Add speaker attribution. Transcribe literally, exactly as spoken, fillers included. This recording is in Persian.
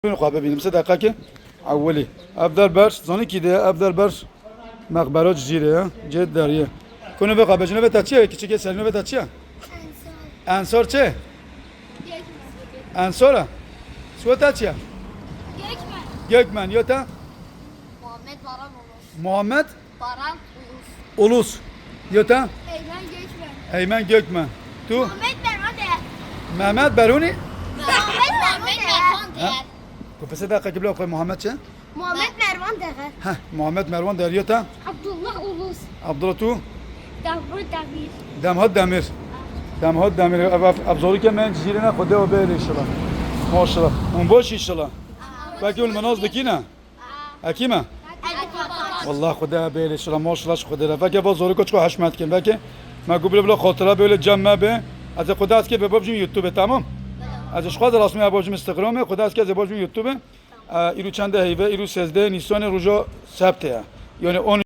Speaker 1: خواه ببینیم سه دقیقه که اولی افضل برش زانی کی ده افضل برش مقبره جزیره جد دریه کنه به قابل جنوب تا چیه کیچه که سرینو به تا چیه انصار چه انصاره سو تا چیه یک من یا تا
Speaker 2: محمد باران اولوس
Speaker 1: محمد
Speaker 2: باران اولوس
Speaker 1: اولوس یا تا
Speaker 2: Eymen Gökmen
Speaker 1: ایمن گکمن تو
Speaker 2: Muhammed Mervan Değer
Speaker 1: محمد برونی
Speaker 2: Muhammed Mervan Değer
Speaker 1: کو سه دقیقه قبل آقای محمد چه
Speaker 2: Muhammed Mervan Değer
Speaker 1: ها محمد مروان در یا تا
Speaker 2: Abdullah Ulus
Speaker 1: عبدالله تو
Speaker 2: Davru Davir
Speaker 1: دمهاد دمیر دمهاد دمیر ابزاری که من جزیره نه خدا و بیر انشالله ماشاءالله اون باش انشالله باقی اون مناز بکینه حکیمه والله خدا بیر انشالله ماشاءالله خدا را فکر باز زوری کوچکو حشمت کن فکر ما قبل بلا خاطره böyle جمع به از خدا است که به بابجون یوتیوب تمام ازش خواهد رسمی بابجون اینستاگرام خدا است که از بابجون یوتیوب ایرو چنده هیوه ایرو سیزده نیسان روزا سبته یعنی اون